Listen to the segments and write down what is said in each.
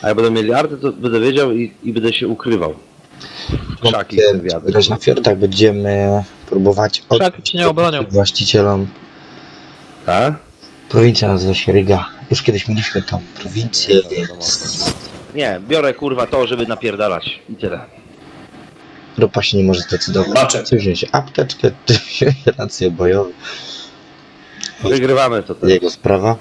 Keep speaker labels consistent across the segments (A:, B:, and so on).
A: A jak będą mieli artę, to będę wiedział i będę się ukrywał. Krzaki chcę wiadę.
B: Grać na fiordach będziemy próbować
C: Krzaki cię nie obronią.
B: właścicielom.
A: Tak?
B: Prowincja nazywa się Ryga. Już kiedyś mieliśmy tam prowincję, więc
A: Nie, biorę kurwa to, żeby napierdalać. I tyle.
B: Ropa się nie może zdecydować.
D: Maczek.
B: Czy wziąć apteczkę, czy wziąć rację bojową.
A: Wygrywamy to też.
B: Jego sprawa.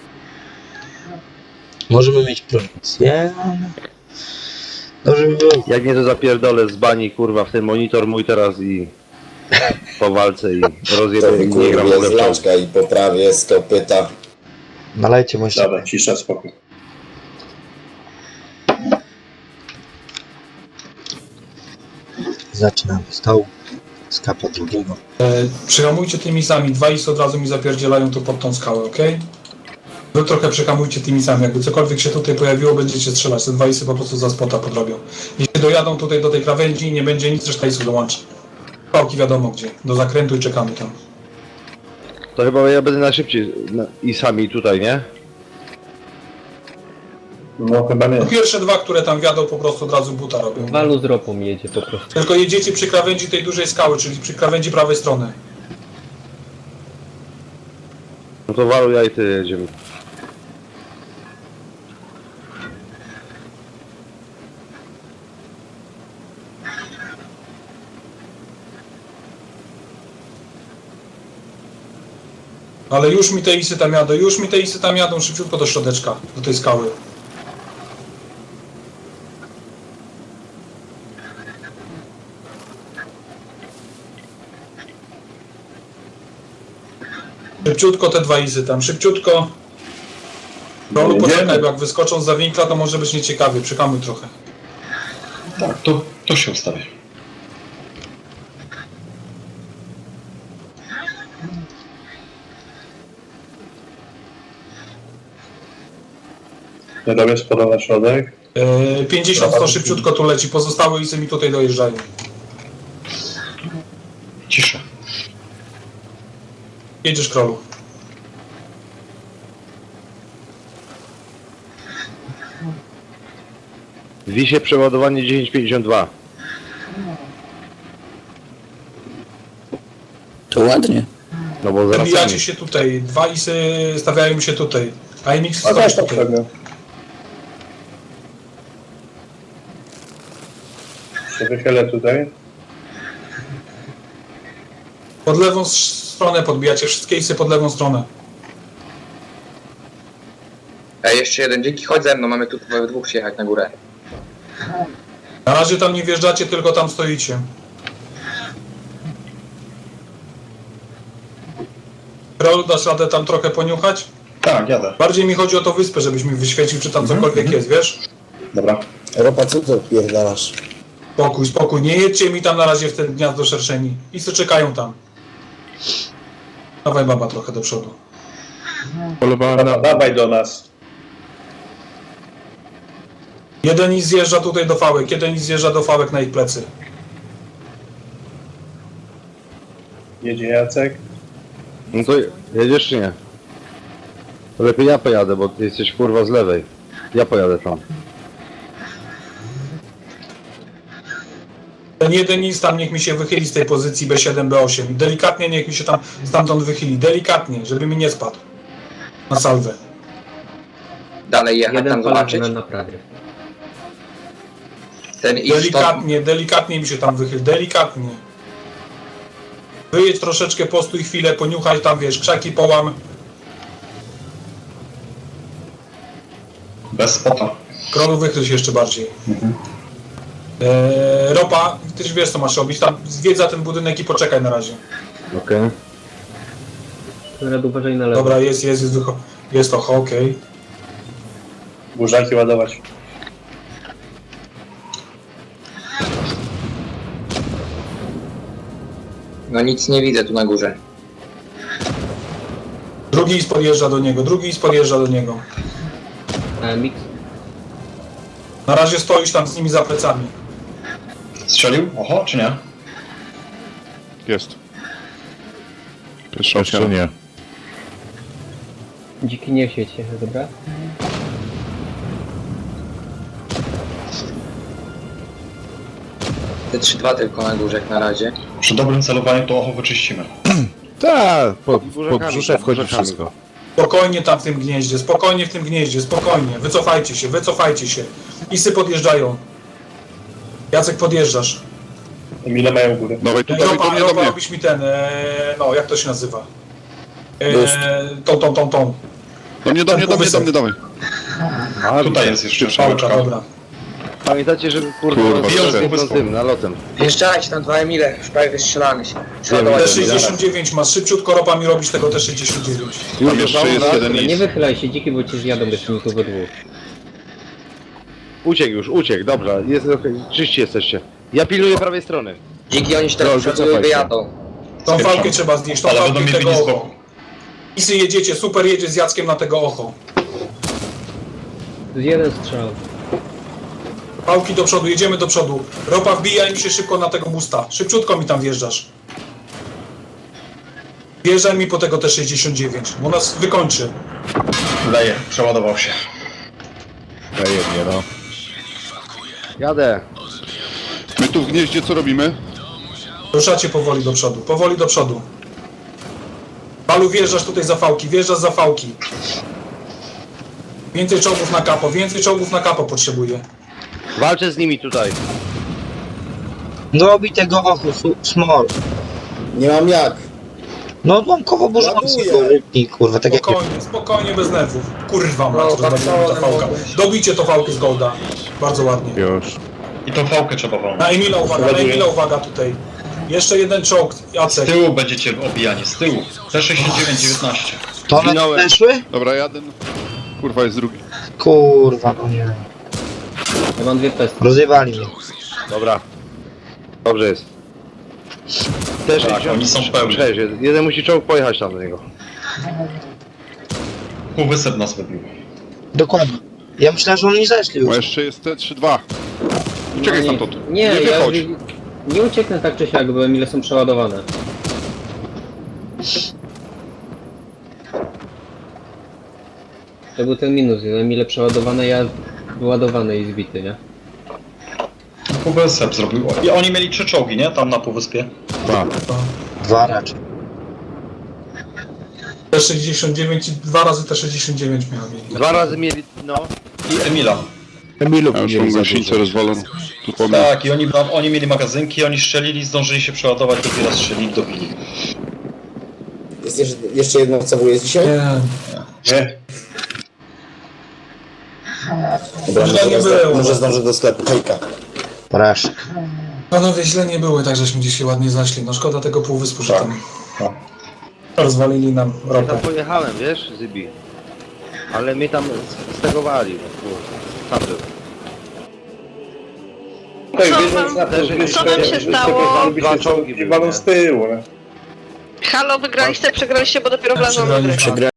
B: Możemy mieć prowincję. Dobrze by było.
A: Jak nie to zapierdolę z bani kurwa w ten monitor mój teraz i po walce i
E: To
A: rozjedę i nie gram w
E: wykurwię
A: ogóle
E: z
A: w czołg.
E: laczka i poprawię z kopyta.
B: Nalejcie może.
D: Dobra, cisza, spokój.
B: Zaczynamy stołu. Skapa drugiego.
F: Przyhamujcie tymi sami, dwa isy od razu mi zapierdzielają tu pod tą skałę, okej? Wy trochę przyhamujcie tymi sami, jakby cokolwiek się tutaj pojawiło, będziecie strzelać, te dwa isy po prostu za spota podrobią. Jeśli dojadą tutaj do tej krawędzi i nie będzie nic, reszta isów dołączy. Pałki wiadomo gdzie, do zakrętu i czekamy tam.
A: To chyba ja będę najszybciej i sami tutaj, nie?
D: No chyba nie.
F: No pierwsze dwa, które tam wjadą, po prostu od razu buta robią.
C: Walu z ropą jedzie po prostu.
F: Tylko jedziecie przy krawędzi tej dużej skały, czyli przy krawędzi prawej strony.
A: No to Walu, ja i ty jedziemy.
F: Ale już mi te isy tam jadą, już mi te isy tam jadą szybciutko do środeczka, do tej skały. Szybciutko te dwa isy tam, szybciutko. Rolu poczekaj, bo jak wyskoczą za winkla, to może być nieciekawie, czekamy trochę.
D: Tak, to się ustawi. Nie robię spoda na środek.
F: 50 to szybciutko tu leci, pozostałe isy mi tutaj dojeżdżają.
D: Cisza.
F: Jedziesz, Krolu.
A: Wisie przeładowanie 1052.
G: To ładnie.
A: No bo zaraz
F: Wybijacie
A: sami.
F: się tutaj, dwa isy stawiają się tutaj, a MX
D: A
F: stoi
D: też
F: tutaj.
D: poprzednio. Się wychylę tutaj.
F: Pod lewą stronę podbijacie, wszystkie isy pod lewą stronę.
H: Ej, jeszcze jeden, dzięki, chodź ze mną, mamy tu we dwóch się jechać na górę.
F: Na razie tam nie wjeżdżacie, tylko tam stoicie. Krolu, dasz radę tam trochę poniuchać?
D: Tak, jadę.
F: Bardziej mi chodzi o tą wyspę, żebyś mi wyświecił, czy tam cokolwiek jest, wiesz?
D: Dobra.
E: Ropa, co ty odpierdalasz?
F: Spokój, spokój, nie jedźcie mi tam na razie w ten gniazdo szerszeni. Isy czekają tam. Dawaj baba trochę do przodu.
D: Dobra, dawaj do nas.
F: Jeden is zjeżdża tutaj do fałek, jeden is zjeżdża do fałek na ich plecy.
D: Jedzie Jacek.
A: No to jedziesz czy nie? To lepiej ja pojadę, bo ty jesteś kurwa z lewej. Ja pojadę tam.
F: Ten jeden is tam niech mi się wychyli z tej pozycji B7, B8. Delikatnie niech mi się tam stamtąd wychyli. Delikatnie, żeby mi nie spadł. Na salwę.
H: Dalej jechać tam zobaczyć.
C: na naprawie.
H: Ten iść to...
F: Delikatnie, delikatnie mi się tam wychyl. Delikatnie. Wyjedź troszeczkę, postój chwilę, poniuchaj tam, wiesz, krzaki połam.
D: Bez spota.
F: Krolu wychyl się jeszcze bardziej. Ropa, ty już wiesz co masz robić. Tam zwiedź za ten budynek i poczekaj na razie.
A: Okej.
C: Konrad, uważaj na lewo.
F: Dobra, jest to okej.
D: Burzaki ładować.
H: No nic nie widzę tu na górze.
F: Drugi is podjeżdża do niego, drugi is podjeżdża do niego.
C: AMX.
F: Na razie stoisz tam z nimi za plecami.
D: Strzelił? Oho, czy nie?
I: Jest. Jeszcze nie.
C: Dziki nie siedźcie, dobra?
H: Te 3-2 tylko na górze jak na razie.
D: Przy dobrym celowaniu to ocho wyczyścimy.
I: Tak, po
A: burzakami,
I: brzusze wchodzi
A: burzakami.
I: wszystko.
F: Spokojnie tam w tym gnieździe, spokojnie w tym gnieździe, spokojnie. Wycofajcie się, wycofajcie się. Isy podjeżdżają. Jacek, podjeżdżasz.
D: Emile mają górę.
I: Dawaj tu, dawaj do mnie, do
F: Ropa,
I: mnie.
F: robisz mi ten, no jak to się nazywa?
E: Boost.
F: Tą.
I: Do mnie, dawaj.
A: A,
D: Tutaj jest jeszcze
F: Pałka,
D: pałka.
F: dobra.
A: Pamiętacie, żeby kurwa
I: Kurwa,
A: rozbiją
I: szef.
A: z jedną tym nalotem.
H: Wjeżdżajcie tam 2 Emile, już prawie wystrzelamy się. Przeładować
F: T69 masz, szybciutko Ropa mi robisz tego T69.
I: Tam jeszcze jest jeden
C: Nie
I: is.
C: wychylaj się dziki, bo cię zjadą jeszcze mi tu we dwóch.
A: Uciekł, dobra, jest okej, czyści jesteście. Ja pilnuję prawej strony.
H: Dziki oni się
A: Dobra,
H: teraz przodują i
A: wycofaj się.
H: wyjadą.
F: Tą fałkę trzeba znieść, tą
D: Ale
F: fałkę
D: będą mieli
F: tego
D: blisko.
F: ocho. Isy jedziecie, super jedzie z Jackiem na tego ocho.
C: To jest jeden strzał.
F: Pałki do przodu, jedziemy do przodu. Ropa wbijaj mi się szybko na tego busta. Szybciutko mi tam wjeżdżasz. Wjeżdżaj mi po tego T69, bo nas wykończy.
D: Leje, przeładował się.
A: Jadę.
I: My tu w gnieździe co robimy?
F: Ruszacie powoli do przodu, powoli do przodu. Balu, wjeżdżasz tutaj za fałki, wjeżdżasz za fałki. Więcej czołgów na kapo potrzebuję.
A: Walczę z nimi tutaj.
B: No bij tego ochu, small.
E: Nie mam jak.
B: No odłamkowo burzowy
E: Ładuję.
B: sobie rypnij, kurwa, tak jak...
F: Spokojnie, bez nerwów. Kurwa mać,
H: No,
F: rozwaliła mi ta fałka. Dobijcie to fałkę z Golda. Bardzo ładnie.
I: Już.
D: I tą fałkę trzeba wolno.
F: Na Emila uwaga tutaj. Jeszcze jeden czołg,
D: Z
F: Jacek.
D: tyłu będziecie obijani, z tyłu. T69-19.
B: To one
A: Zginąłem.
B: weszły?
I: Dobra, jeden. Kurwa, jest drugi.
B: Kurwa, no nie.
C: Ja mam dwie pesty.
B: Rozjebali mnie.
A: Dobra. Dobrze jest. Też
D: Tak, oni są pełni.
A: Jeden musi czołg pojechać tam do niego.
D: Półwysep nas wybił.
B: Dokładnie. Ja myślałem, że oni zeszli
I: Bo
B: już.
I: jeszcze jest te 3-2. Uciekaj stamtąd.
C: Nie,
I: Nie
C: ja
I: wychodź.
C: nie ucieknę tak czy siak, bo Emile są przeładowane. To był ten minus, Emile przeładowane, ja wyładowany i zbity, nie?
D: Półwysep zrobił. I oni mieli 3 czołgi, nie? Tam na półwyspie.
B: Dwa raczej.
F: T69 i 2 razy T69 miałem.
A: Dwa razy mieli, no.
D: I Emila.
I: Ja już mam gąsienicę rozwaloną. Tu po mnie.
D: Tak, i oni mieli magazynki, oni strzelili, zdążyli się przeładować, dopiero strzelili, dobili.
E: Jest jeszcze jedno CW jest dzisiaj?
D: Nie.
E: Dobra,
F: Źle nie było.
E: może zdążę do sklepu. Hejka.
B: Porażka.
F: Panowie, źle nie były, tak żeśmy dzisiaj ładnie zaszli. No szkoda tego półwyspu, że
D: Tak.
F: tam
D: Tak.
F: rozwalili nam
A: Ja tam
F: ropę.
A: pojechałem, wiesz, Zybi. Ale mnie tam stegowali, no kurwa. Tam był.
G: Co wam się stało?
A: Dwa czołgi były, nie?
D: z tyłu, nie?
G: Halo, wygraliście, przegraliście, bo dopiero wlazłam do gry.